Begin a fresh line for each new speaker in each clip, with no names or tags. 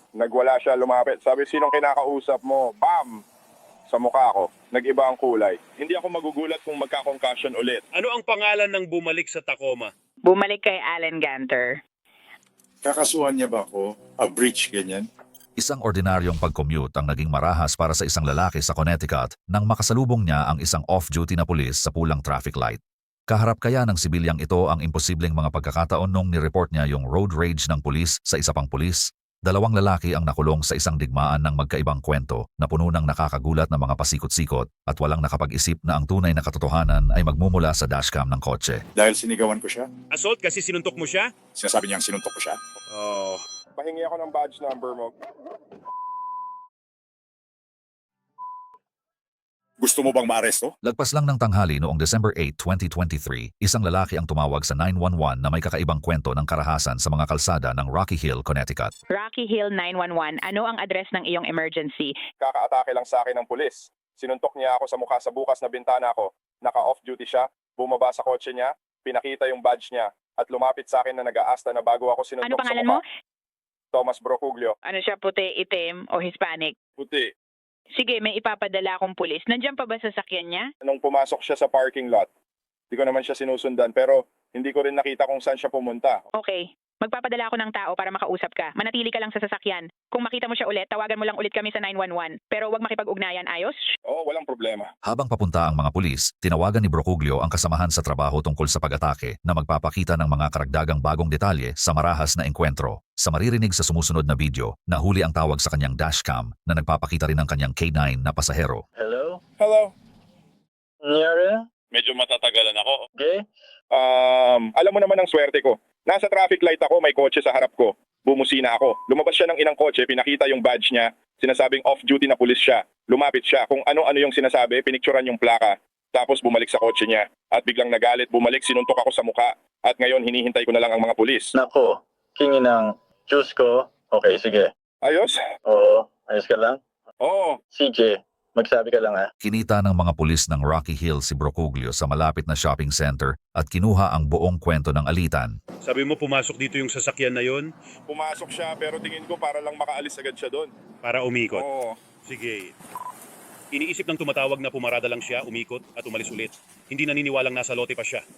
Nagwala siya, lumapit. Sabi, sinong kinakausap mo? Bam! Sa mukha ko. Nag-iba ang kulay. Hindi ako magugulat kung magka-concussion ulit.
Ano ang pangalan ng bumalik sa Tacoma?
Bumalik kay Allen Ganter.
Kakasuhan niya ba ako? A breach, ganyan?
Isang ordinaryong pag-commute ang naging marahas para sa isang lalaki sa Connecticut nang makasalubong niya ang isang off-duty na pulis sa pulang traffic light. Kaharap kaya ng sibilyang ito ang imposibleng mga pagkakataon nung nireport niya yung road rage ng pulis sa isa pang pulis? Dalawang lalaki ang nakulong sa isang digmaan ng magkaibang kwento na puno ng nakakagulat na mga pasikot-sikot at walang nakapag-isip na ang tunay na katotohanan ay magmumula sa dashcam ng kotse.
Dahil sinigawan ko siya?
Assault kasi sinuntok mo siya?
Sinasabi niyang sinuntok ko siya?
Oh.
Pahingi ako ng badge number mo.
Gusto mo bang maaresto?
Lagpas lang ng tanghali noong December 8, 2023, isang lalaki ang tumawag sa 911 na may kakaibang kwento ng karahasan sa mga kalsada ng Rocky Hill, Connecticut.
Rocky Hill 911, ano ang address ng iyong emergency?
Kakaatake lang sa akin ng pulis. Sinuntok niya ako sa mukha sa bukas na bintana ko. Naka-off-duty siya, bumaba sa kotse niya, pinakita yung badge niya, at lumapit sa akin na nag-aasta na bago ako sinuntok
Ano
sa
pangalan
mukha.
mo?
Thomas Brocuglio.
Ano siya, puti, itim o Hispanic?
Puti.
Sige, may ipapadala akong pulis. Nandiyan pa ba sa sakyan niya?
Nung pumasok siya sa parking lot, hindi ko naman siya sinusundan pero hindi ko rin nakita kung saan siya pumunta.
Okay. Magpapadala ako ng tao para makausap ka. Manatili ka lang sa sasakyan. Kung makita mo siya ulit, tawagan mo lang ulit kami sa 911. Pero huwag makipag-ugnayan, ayos?
Oo, walang problema.
Habang papunta ang mga pulis, tinawagan ni Brocuglio ang kasamahan sa trabaho tungkol sa pag-atake na magpapakita ng mga karagdagang bagong detalye sa marahas na engkwentro. Sa maririnig sa sumusunod na video, nahuli ang tawag sa kanyang dashcam na nagpapakita rin ng kanyang K9 na pasahero.
Hello?
Hello.
Nyara?
Medyo matatagalan ako.
Okay?
Alam mo naman ang swerte ko. Nasa traffic light ako, may kotse sa harap ko. Bumusina ako. Lumabas siya ng inang kotse, pinakita yung badge niya. Sinasabing off-duty na pulis siya. Lumapit siya. Kung ano-ano yung sinasabi, pinicturan yung plaka. Tapos bumalik sa kotse niya. At biglang nagalit, bumalik, sinuntok ako sa mukha. At ngayon, hinihintay ko na lang ang mga pulis.
Nako, kingi ng juice ko. Okay, sige.
Ayos?
Oo, ayos ka lang.
Oo.
CJ, magsabi ka lang ha.
Kinita ng mga pulis ng Rocky Hill si Brocuglio sa malapit na shopping center at kinuha ang buong kwento ng alitan.
Sabi mo pumasok dito yung sasakyan na yon
Pumasok siya, pero tingin ko para lang makaalis agad siya doon.
para umikot.
Oo.
Sige. Iniisip ng tumatawag na pumarada lang siya, umikot at umalis ulit. Hindi naniniwalang nasa lote pa siya.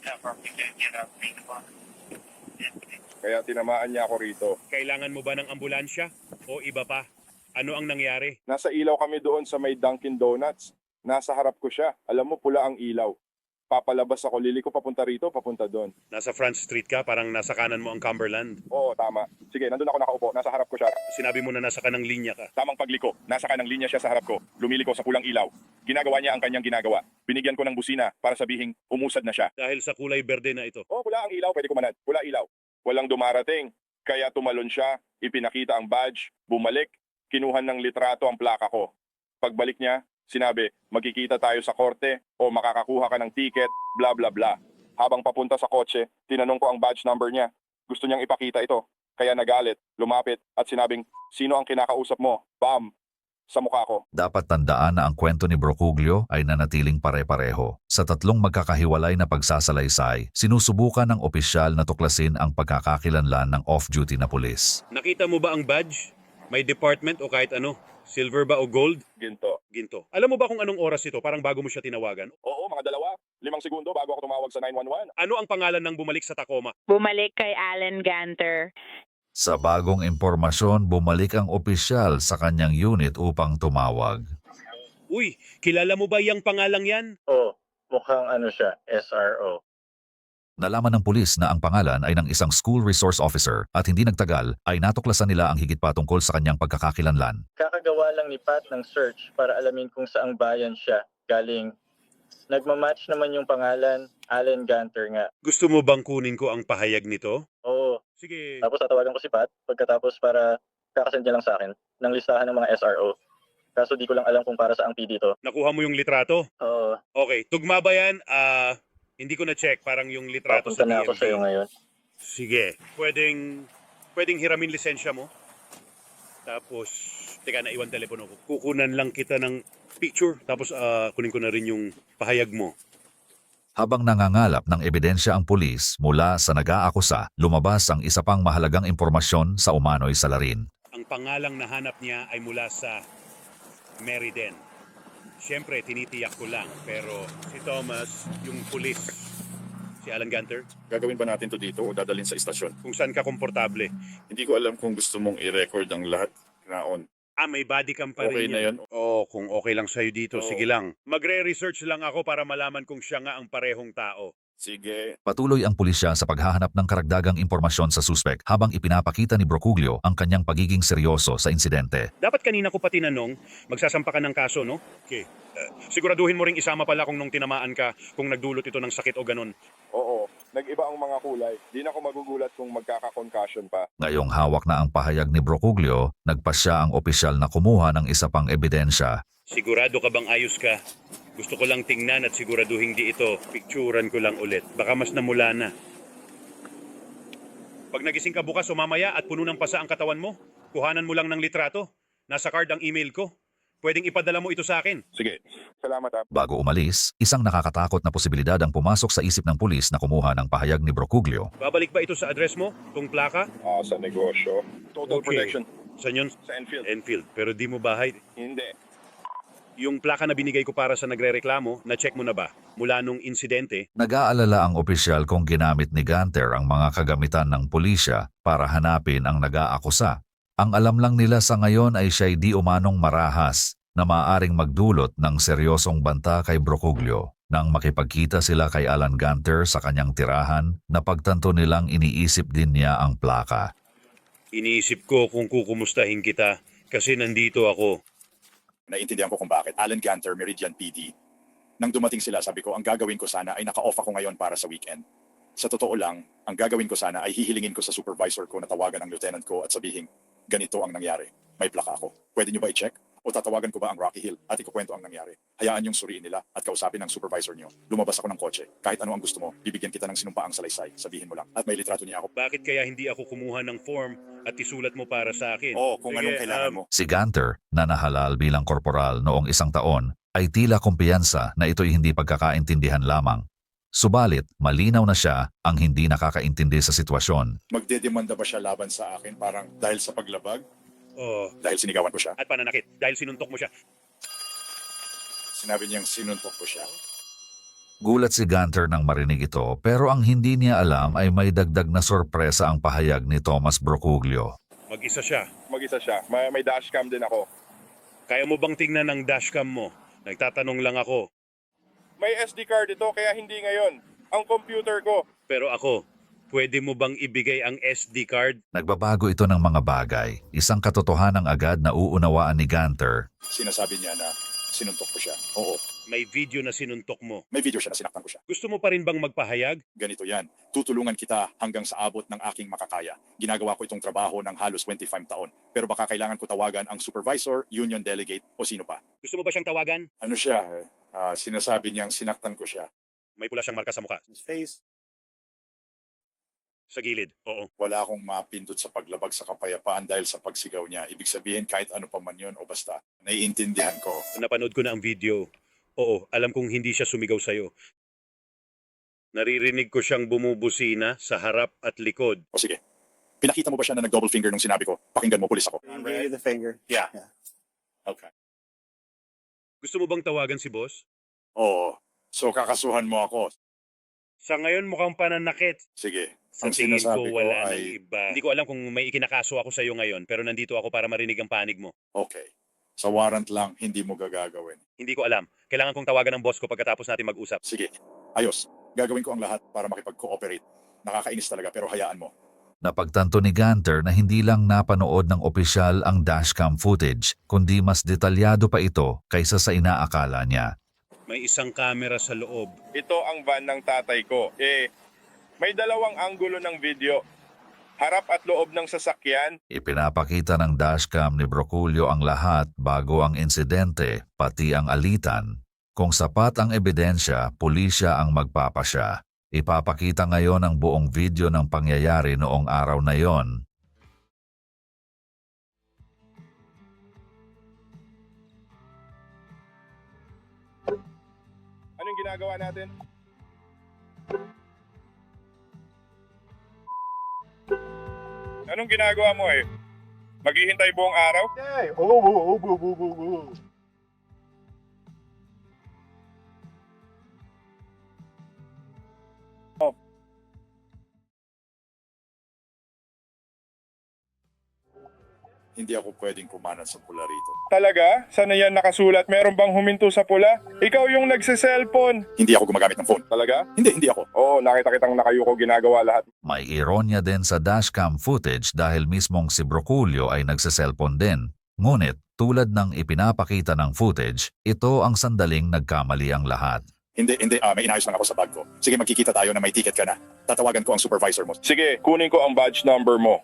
Kaya tinamaan niya ako rito.
Kailangan mo ba ng ambulansya o iba pa? Ano ang nangyari?
Nasa ilaw kami doon sa may Dunkin Donuts. Nasa harap ko siya. Alam mo, pula ang ilaw. Papalabas ako, liliko papunta rito, papunta doon.
Nasa Front Street ka, parang nasa kanan mo ang Cumberland.
Oo, tama. Sige, nandun ako nakaupo. Nasa harap ko siya.
Sinabi mo na nasa kanang linya ka.
Tamang pagliko. Nasa kanang linya siya sa harap ko. Lumiliko sa pulang ilaw. Ginagawa niya ang kanyang ginagawa. Binigyan ko ng busina para sabihing umusad na siya.
Dahil sa kulay berde na ito.
Oh, pula ang ilaw. Pwede kumanad. Pula ilaw. Walang dumarating. Kaya tumalon siya. Ipinakita ang badge. Bumalik. Kinuhan ng litrato ang plaka ko. Pagbalik niya, sinabi, magkikita tayo sa korte o makakakuha ka ng ticket, bla bla bla. Habang papunta sa kotse, tinanong ko ang badge number niya. Gusto niyang ipakita ito. Kaya nagalit, lumapit at sinabing, sino ang kinakausap mo? Bam! Sa mukha ko.
Dapat tandaan na ang kwento ni Brocuglio ay nanatiling pare-pareho. Sa tatlong magkakahiwalay na pagsasalaysay, sinusubukan ng opisyal na tuklasin ang pagkakakilanlan ng off-duty na pulis.
Nakita mo ba ang badge? May department o kahit ano? Silver ba o gold?
Ginto.
Ginto. Alam mo ba kung anong oras ito? Parang bago mo siya tinawagan.
Oo, mga 5 segundo bago ako tumawag sa 911.
Ano ang pangalan ng bumalik sa Tacoma?
Bumalik kay Allen Ganter.
Sa bagong impormasyon, bumalik ang opisyal sa kanyang unit upang tumawag.
Uy, kilala mo ba yung pangalang yan?
Oo, mukhang ano siya, SRO.
Nalaman ng pulis na ang pangalan ay ng isang school resource officer at hindi nagtagal ay natuklasan nila ang higit pa tungkol sa kanyang pagkakakilanlan.
Kakagawa lang ni Pat ng search para alamin kung saang bayan siya galing. Nagmamatch naman yung pangalan, Allen Ganter nga.
Gusto mo bang kunin ko ang pahayag nito?
Oo,
Sige.
tapos tatawagan ko si Pat pagkatapos para kakasend niya lang sa akin ng listahan ng mga SRO. Kaso di ko lang alam kung para saang P dito.
Nakuha mo yung litrato?
Oo,
Okay, tugma ba yan? Hindi ko na-check. Parang yung litrato
papunta
sa
na ako
DMV.
sa'yo ngayon.
Sige. Pwedeng hiramin lisensya mo. Tapos, teka, naiwan telepono ko. Kukunan lang kita ng picture. Tapos, kunin ko na rin yung pahayag mo.
Habang nangangalap ng ebidensya ang pulis mula sa nag-aakusa, lumabas ang isa pang mahalagang impormasyon sa umano'y salarin.
Ang pangalang nahanap niya ay mula sa Meriden. Siyempre, tinitiyak ko lang, pero si Thomas, yung pulis, si Alan Gunter,
Gagawin ba natin to dito o dadalhin sa istasyon?
kung saan ka komportable.
Hindi ko alam kung gusto mong i-record ang lahat. Naon.
May body cam pa
Okay
rin
na
yan.
yan.
Oo, kung okay lang sa'yo dito,
Oo.
sige lang. Magre-research lang ako para malaman kung siya nga ang parehong tao.
Sige.
Patuloy ang pulisya sa paghahanap ng karagdagang impormasyon sa suspek habang ipinapakita ni Brocuglio ang kanyang pagiging seryoso sa insidente.
Dapat kanina ko pa tinanong, magsasampa ka ng kaso, no? Okay. Siguraduhin mo ring isama pala kung nung tinamaan ka, kung nagdulot ito ng sakit o ganun.
Oo, nag-iba ang mga kulay. Di na ako magugulat kung magkaka-concussion pa.
Ngayong hawak na ang pahayag ni Brocuglio, nagpasya ang opisyal na kumuha ng isa pang ebidensya.
Sigurado ka bang ayos ka? Gusto ko lang tingnan at siguraduhin di ito. Picturan ko lang ulit. Baka mas namula na. Pag nagising ka bukas o mamaya at puno ng pasa ang katawan mo, kuhanan mo lang ng litrato. Nasa card ang email ko. Pwedeng ipadala mo ito sa akin.
Sige, salamat ha.
Bago umalis, isang nakakatakot na posibilidad ang pumasok sa isip ng pulis na kumuha ng pahayag ni Brocuglio.
Babalik ba ito sa address mo? Tong plaka?
Sa negosyo. Total
Okay.
protection
Saan yun?
sa Enfield.
Enfield. Pero di mo bahay.
Hindi.
Yung plaka na binigay ko para sa nagrereklamo, na-check mo na ba? Mula nung insidente,
Nag-aalala ang opisyal kung ginamit ni Gunter ang mga kagamitan ng pulisya para hanapin ang nag-aakusa. Ang alam lang nila sa ngayon ay siya'y di umanong marahas na maaaring magdulot ng seryosong banta kay Brocuglio. Nang makipagkita sila kay Alan Gunter sa kanyang tirahan, napagtanto nilang iniisip din niya ang plaka.
iniisip ko kung kukumustahin kita kasi nandito ako.
Naiintindihan ko kung bakit. Alan Gunter, Meridian PD. Nang dumating sila, sabi ko, ang gagawin ko sana ay naka-off ako ngayon para sa weekend. Sa totoo lang, ang gagawin ko sana ay hihilingin ko sa supervisor ko na tawagan ang lieutenant ko at sabihin, ganito ang nangyari. May plaka ako. Pwede niyo ba i-check? O tatawagan ko ba ang Rocky Hill at ikukwento ang nangyari? Hayaan yung suriin nila at kausapin ng supervisor niyo. Lumabas ako ng kotse. Kahit ano ang gusto mo, bibigyan kita ng sinumpaang salaysay. Sabihin mo lang. At may litrato niya ako.
Bakit kaya hindi ako kumuha ng form at isulat mo para sa akin?
Oo, kung
Sige,
anong kailangan mo.
Si Gunter, na nahalal bilang korporal noong 1 taon, ay tila kumpiyansa na ito'y hindi pagkakaintindihan lamang. Subalit, malinaw na siya ang hindi nakakaintindi sa sitwasyon.
Magdedemanda ba siya laban sa akin parang dahil sa paglabag?
Oh,
Dahil sinigawan ko siya?
at pananakit dahil sinuntok mo siya.
Sinabi niyang sinuntok ko siya.
Gulat si Gunter nang marinig ito pero ang hindi niya alam ay may dagdag na sorpresa ang pahayag ni Thomas Brocuglio.
Mag-isa siya.
Mag-isa siya. May dashcam din ako.
Kaya mo bang tingnan ang dashcam mo? Nagtatanong lang ako.
May SD card ito kaya hindi ngayon. Ang computer ko.
Pero ako, pwede mo bang ibigay ang SD card?
Nagbabago ito ng mga bagay. Isang katotohanang agad na uunawaan ni Gunter.
Sinasabi niya na sinuntok ko siya. Oo,
May video na sinuntok mo.
may video siya na sinaktan ko siya.
Gusto mo pa rin bang magpahayag?
Ganito yan. Tutulungan kita hanggang sa abot ng aking makakaya. Ginagawa ko itong trabaho ng halos 25 taon. Pero baka kailangan ko tawagan ang supervisor, union delegate o sino pa.
Gusto mo ba siyang tawagan?
Ano siya? Sinasabi niyang sinaktan ko siya.
May pula siyang marka sa mukha.
Face.
Sa gilid. Oo.
Wala akong mapindot sa paglabag sa kapayapaan dahil sa pagsigaw niya. Ibig sabihin kahit ano pa man yun o basta. Naiintindihan ko.
Napanood ko na ang video. Oo, alam kong hindi siya sumigaw sa'yo. Naririnig ko siyang bumubusina sa harap at likod.
O sige. Pinakita mo ba siya na nag-double finger nung sinabi ko? Pakinggan mo, pulis ako.
He gave you the finger.
Yeah.
Yeah.
Okay.
Gusto mo bang tawagan si boss?
Oo. So kakasuhan mo ako.
Sa ngayon mukhang pananakit.
Sige.
Sa
Ang
tingin ko
sinasabi ko
wala nang
ay-
iba. Hindi ko alam kung may ikinakaso ako sa'yo ngayon, pero nandito ako para marinig ang panig mo.
Okay. Sa warrant lang, hindi mo gagagawin.
Hindi ko alam. Kailangan kong tawagan ng boss ko pagkatapos natin mag-usap.
Sige. Ayos. Gagawin ko ang lahat para makipag-cooperate. Nakakainis talaga pero hayaan mo.
Napagtanto ni Gunter na hindi lang napanood ng opisyal ang dashcam footage, kundi mas detalyado pa ito kaysa sa inaakala niya.
May isang camera sa loob.
Ito ang van ng tatay ko. May dalawang anggulo ng video. Harap at loob ng sasakyan.
Ipinapakita ng dashcam ni Brocuglio ang lahat bago ang insidente, pati ang alitan. Kung sapat ang ebidensya, pulisya ang magpapasya. Ipapakita ngayon ang buong video ng pangyayari noong araw na yon.
Anong ginagawa natin? Anong ginagawa mo Maghihintay buong araw?
Hindi ako pwedeng kumanan sa pula rito.
Talaga? Sana yan nakasulat? Meron bang huminto sa pula? Ikaw yung nagse-cellphone.
Hindi ako gumagamit ng phone.
Talaga?
Hindi ako.
Oo, nakita kitang nakayuko ginagawa lahat.
May ironya din sa dashcam footage dahil mismong si Broculio ay nagsiselfon din. Ngunit tulad ng ipinapakita ng footage, ito ang sandaling nagkamali ang lahat.
Hindi, may inayos lang ako sa bag ko. Sige, magkikita tayo na may ticket ka na. Tatawagan ko ang supervisor mo.
Sige, kunin ko ang badge number mo.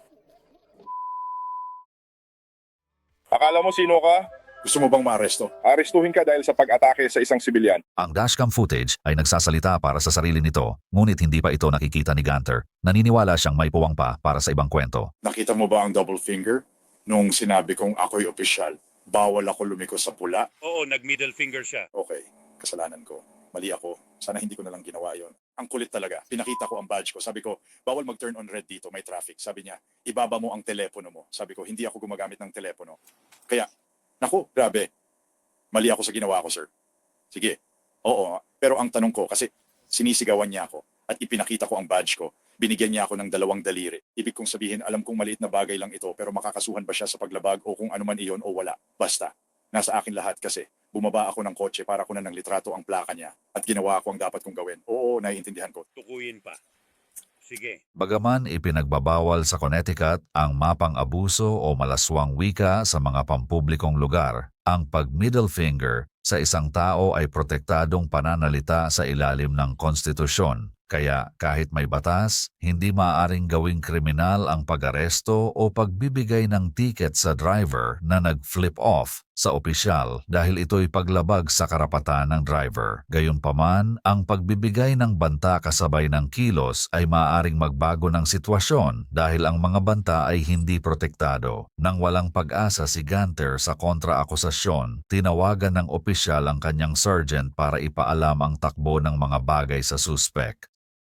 Akala mo sino ka?
Gusto mo bang maaresto?
Arestuhin ka dahil sa pag-atake sa isang sibilyan.
Ang dashcam footage ay nagsasalita para sa sarili nito, ngunit hindi pa ito nakikita ni Gunter. Naniniwala siyang may puwang pa para sa ibang kwento.
Nakita mo ba ang double finger? Nung sinabi kong ako'y opisyal, bawal ako lumiko sa pula.
Oo, nag-middle finger siya.
Okay, kasalanan ko. Mali ako. Sana hindi ko na lang ginawa yon. Ang kulit talaga. Pinakita ko ang badge ko. Sabi ko, bawal mag-turn on red dito. May traffic. Sabi niya, ibaba mo ang telepono mo. Sabi ko, hindi ako gumagamit ng telepono. Kaya, naku, grabe. Mali ako sa ginawa ko, sir. Sige. Oo, pero ang tanong ko, kasi sinisigawan niya ako at ipinakita ko ang badge ko. Binigyan niya ako ng 2 daliri. Ibig kong sabihin, alam kong maliit na bagay lang ito, pero makakasuhan ba siya sa paglabag o kung ano man iyon o wala. Basta, nasa akin lahat kasi. Bumaba ako ng kotse para kunan ng litrato ang plaka niya at ginawa ko ang dapat kong gawin. Oo, naiintindihan ko.
Tukuyin pa. Sige.
Bagaman ipinagbabawal sa Connecticut ang mapang abuso o malaswang wika sa mga pampublikong lugar, ang pag-middle finger sa isang tao ay protektadong pananalita sa ilalim ng konstitusyon. Kaya kahit may batas, hindi maaaring gawing kriminal ang pag-aresto o pagbibigay ng ticket sa driver na nag-flip off sa opisyal dahil ito'y paglabag sa karapatan ng driver. Gayunpaman, ang pagbibigay ng banta kasabay ng kilos ay maaaring magbago ng sitwasyon dahil ang mga banta ay hindi protektado. Nang walang pag-asa si Gunter sa kontra-akusasyon, tinawagan ng opisyal ang kanyang sergeant para ipaalam ang takbo ng mga bagay sa suspect.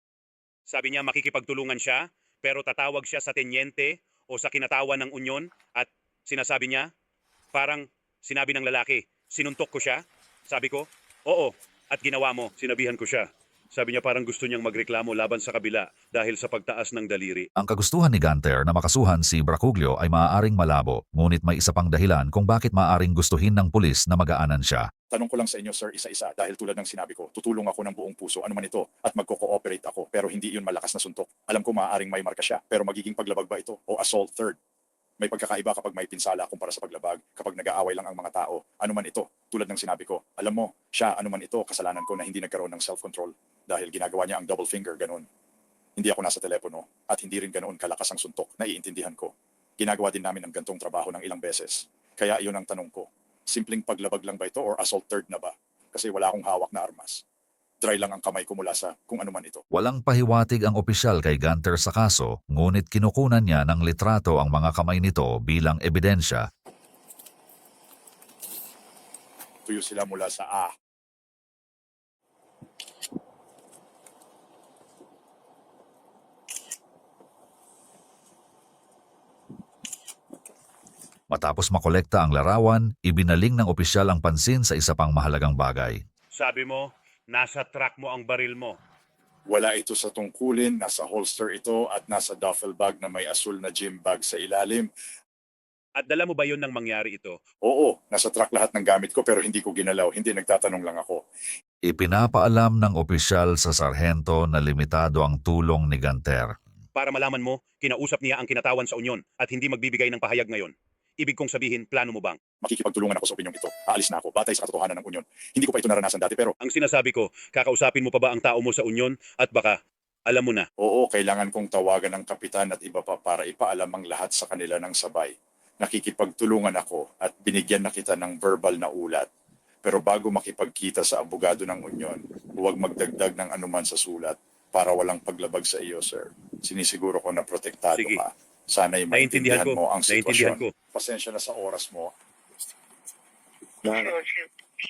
Sabi niya makikipagtulungan siya, pero tatawag siya sa tenyente o sa kinatawan ng unyon at sinasabi niya, parang sinabi ng lalaki, sinuntok ko siya. Sabi ko, oo, at ginawa mo, sinabihan ko siya. Sabi niya parang gusto niyang magreklamo laban sa kabila dahil sa pagtaas ng daliri.
Ang kagustuhan ni Gunter na makasuhan si Broculio ay maaaring malabo, ngunit may isa pang dahilan kung bakit maaaring gustuhin ng pulis na magaanan siya.
Tanong ko lang sa inyo, sir, isa-isa, dahil tulad ng sinabi ko, tutulong ako ng buong puso, ano man ito, at magko-cooperate ako, pero hindi yun malakas na suntok. Alam ko maaaring may marka siya, pero magiging paglabag ba ito o assault third? May pagkakaiba kapag may pinsala kumpara sa paglabag, kapag nag-aaway lang ang mga tao, ano man ito, tulad ng sinabi ko. Alam mo, siya, ano man ito, kasalanan ko na hindi nagkaroon ng self-control dahil ginagawa niya ang double finger, ganun. Hindi ako nasa telepono at hindi rin ganoon kalakas ang suntok, naiintindihan ko. Ginagawa din namin ang gantong trabaho ng ilang beses. Kaya iyon ang tanong ko. Simpleng paglabag lang ba ito or assault third na ba? Kasi wala akong hawak na armas. Dry lang ang kamay ko mula sa kung ano man ito.
Walang pahiwatig ang opisyal kay Gunter sa kaso, ngunit kinukunan niya ng litrato ang mga kamay nito bilang ebidensya.
Tuyo sila mula sa A.
Matapos makolekta ang larawan, ibinaling ng opisyal ang pansin sa isa pang mahalagang bagay.
Sabi mo, nasa truck mo ang baril mo.
Wala ito sa tungkulin, nasa holster ito at nasa duffel bag na may asul na gym bag sa ilalim.
At dala mo ba yun nang mangyari ito?
Oo, nasa truck lahat ng gamit ko pero hindi ko ginalaw, hindi nagtatanong lang ako.
Ipinapaalam ng opisyal sa sarhento na limitado ang tulong ni Gunter.
Para malaman mo, kinausap niya ang kinatawan sa unyon at hindi magbibigay ng pahayag ngayon. Ibig kong sabihin, plano mo bang?
Makikipagtulungan ako sa opinyong ito. Aalis na ako, batay sa katotohanan ng unyon. Hindi ko pa ito naranasan dati pero
Ang sinasabi ko, kakausapin mo pa ba ang tao mo sa unyon at baka, alam mo na.
oo, kailangan kong tawagan ng kapitan at iba pa para ipaalam ang lahat sa kanila ng sabay. Nakikipagtulungan ako at binigyan na kita ng verbal na ulat. Pero bago makipagkita sa abogado ng unyon, huwag magdagdag ng anuman sa sulat para walang paglabag sa iyo, sir. Sinisiguro ko na protektado
Sige.
ka. Sana'y
Naiintindihan
maintindihan
ko.
mo ang
Naiintindihan
sitwasyon.
ko.
Pasensya na sa oras mo.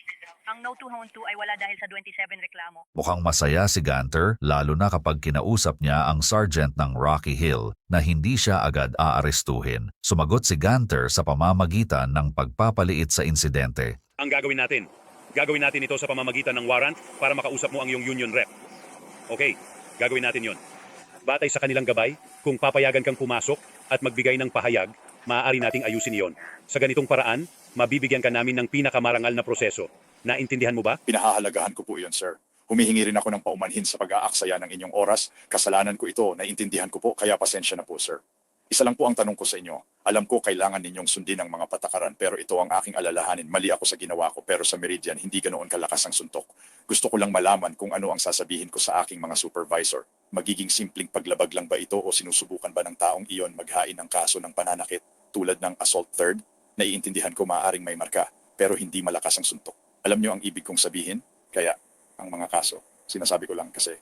Ang No 212 ay wala dahil sa 27 reklamo.
Mukhang masaya si Gunter lalo na kapag kinausap niya ang sergeant ng Rocky Hill na hindi siya agad aarestuhin. Sumagot si Gunter sa pamamagitan ng pagpapaliit sa insidente.
Ang gagawin natin ito sa pamamagitan ng warrant para makausap mo ang iyong union rep. Okay, gagawin natin yon. Batay sa kanilang gabay, kung papayagan kang pumasok at magbigay ng pahayag, maaari nating ayusin iyon. Sa ganitong paraan, mabibigyan ka namin ng pinakamarangal na proseso. Naintindihan mo ba?
Pinahahalagahan ko po iyon, sir. Humihingi rin ako ng paumanhin sa pag-aaksaya ng inyong oras. Kasalanan ko ito, naiintindihan ko po, kaya pasensya na po, sir. Isa lang po ang tanong ko sa inyo. Alam ko kailangan ninyong sundin ang mga patakaran, pero ito ang aking alalahanin. Mali ako sa ginawa ko, pero sa Meridian, hindi ganoon kalakas ang suntok. Gusto ko lang malaman kung ano ang sasabihin ko sa aking mga supervisor. Magiging simpleng paglabag lang ba ito o sinusubukan ba ng taong iyon maghain ng kaso ng pananakit tulad ng assault third? Naiintindihan ko maaaring may marka, pero hindi malakas ang suntok. Alam niyo ang ibig kong sabihin? Kaya ang mga kaso, sinasabi ko lang kasi,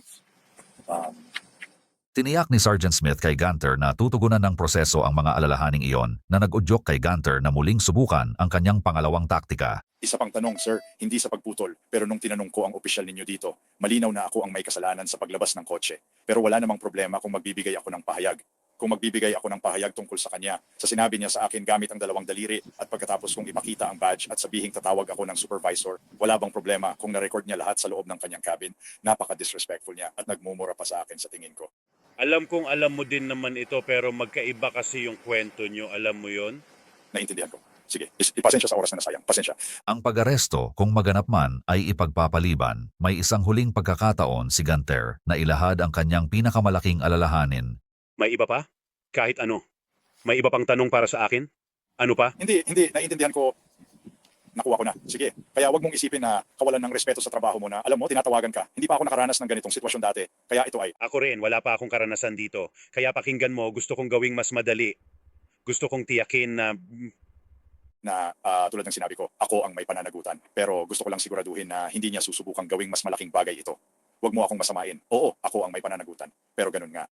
Tiniyak ni Sergeant Smith kay Gunter na tutugunan ng proseso ang mga alalahaning iyon na nag-udyok kay Gunter na muling subukan ang kanyang pangalawang taktika.
isa pang tanong, sir, hindi sa pagputol, pero nung tinanong ko ang opisyal ninyo dito, malinaw na ako ang may kasalanan sa paglabas ng kotse. Pero wala namang problema kung magbibigay ako ng pahayag. Kung magbibigay ako ng pahayag tungkol sa kanya, sa sinabi niya sa akin gamit ang 2 daliri at pagkatapos kong ipakita ang badge at sabihing tatawag ako ng supervisor, wala bang problema kung na-record niya lahat sa loob ng kanyang cabin? Napaka-disrespectful niya at nagmumura pa sa akin sa tingin ko.
Alam kong alam mo din naman ito pero magkaiba kasi yung kwento nyo. Alam mo yon?
Naintindihan ko. Sige, ipasensya sa oras na nasayang. Pasensya.
Ang pag-aresto, kung maganap man, ay ipagpapaliban. May isang huling pagkakataon si Gunter na ilahad ang kanyang pinakamalaking alalahanin.
May iba pa? Kahit ano. May iba pang tanong para sa akin? Ano pa?
Hindi. Naiintindihan ko. Nakuha ko na. Sige. Kaya wag mong isipin na kawalan ng respeto sa trabaho mo na, alam mo, tinatawagan ka. Hindi pa ako nakaranas ng ganitong sitwasyon dati. Kaya ito ay,
Ako rin, wala pa akong karanasan dito. Kaya pakinggan mo, gusto kong gawing mas madali. Gusto kong tiyakin na
tulad ng sinabi ko, ako ang may pananagutan. Pero gusto ko lang siguraduhin na hindi niya susubukang gawing mas malaking bagay ito. Huwag mo akong masamain. Oo, ako ang may pananagutan. Pero ganun nga.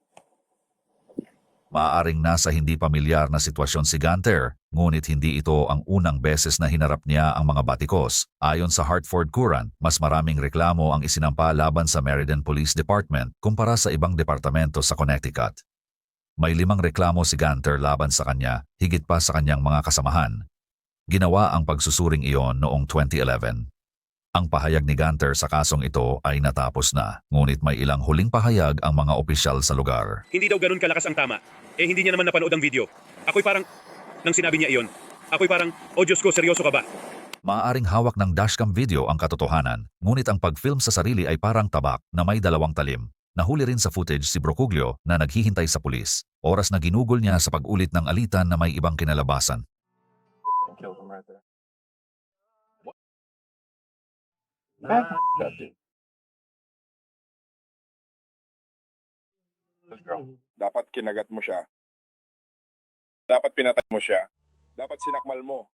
Maaaring nasa hindi pamilyar na sitwasyon si Gunter, ngunit hindi ito ang unang beses na hinarap niya ang mga batikos. Ayon sa Hartford Courant, mas maraming reklamo ang isinampa laban sa Meriden Police Department kumpara sa ibang departamento sa Connecticut. May 5 reklamo si Gunter laban sa kanya, higit pa sa kanyang mga kasamahan. Ginawa ang pagsusuring iyon noong 2011. Ang pahayag ni Gunter sa kasong ito ay natapos na, ngunit may ilang huling pahayag ang mga opisyal sa lugar.
hindi daw ganun kalakas ang tama. Eh hindi niya naman napanood ang video. Ako'y parang, nang sinabi niya iyon, ako'y parang, oh Diyos ko, seryoso ka ba?
Maaaring hawak ng dashcam video ang katotohanan, ngunit ang pag-film sa sarili ay parang tabak na may 2 talim. Nahuli rin sa footage si Brocuglio na naghihintay sa pulis, oras na ginugol niya sa pag-ulit ng alitan na may ibang kinalabasan.
Dapat kinagat mo siya. Dapat pinatay mo siya. Dapat sinakmal mo.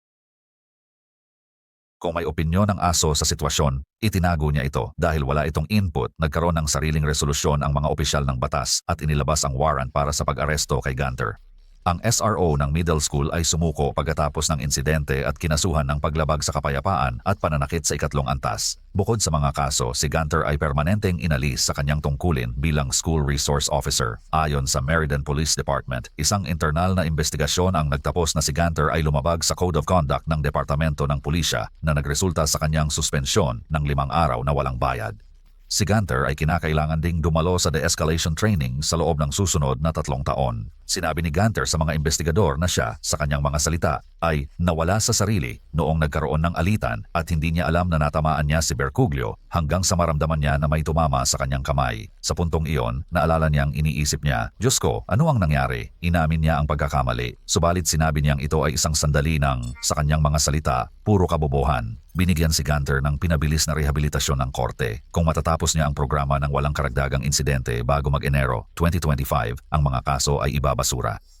Kung may opinyon ng aso sa sitwasyon, itinago niya ito dahil wala itong input, nagkaroon ng sariling resolusyon ang mga opisyal ng batas at inilabas ang warrant para sa pag-aresto kay Gunter. Ang SRO ng middle school ay sumuko pagkatapos ng insidente at kinasuhan ng paglabag sa kapayapaan at pananakit sa 2 antas. Bukod sa mga kaso, si Gunter ay permanenteng inalis sa kanyang tungkulin bilang School Resource Officer. Ayon sa Meriden Police Department, isang internal na investigasyon ang nagtapos na si Gunter ay lumabag sa Code of Conduct ng Departamento ng Pulisya na nagresulta sa kanyang suspensyon ng 5 araw na walang bayad. Si Gunter ay kinakailangan ding dumalo sa de-escalation training sa loob ng susunod na 3 taon. Sinabi ni Gunter sa mga investigador na siya, sa kanyang mga salita, ay nawala sa sarili noong nagkaroon ng alitan at hindi niya alam na natamaan niya si Brocuglio hanggang sa maramdaman niya na may tumama sa kanyang kamay. Sa puntong iyon, naalala niyang iniisip niya, Diyos ko, ano ang nangyari? Inamin niya ang pagkakamali. Subalit sinabi niyang ito ay isang sandali ng, sa kanyang mga salita, puro kabobohan. Binigyan si Gunter ng pinabilis na rehabilitasyon ng korte. Kung matatapos niya ang programa ng walang karagdagang insidente bago mag-Enero 2025, ang mga kaso ay ibabasura.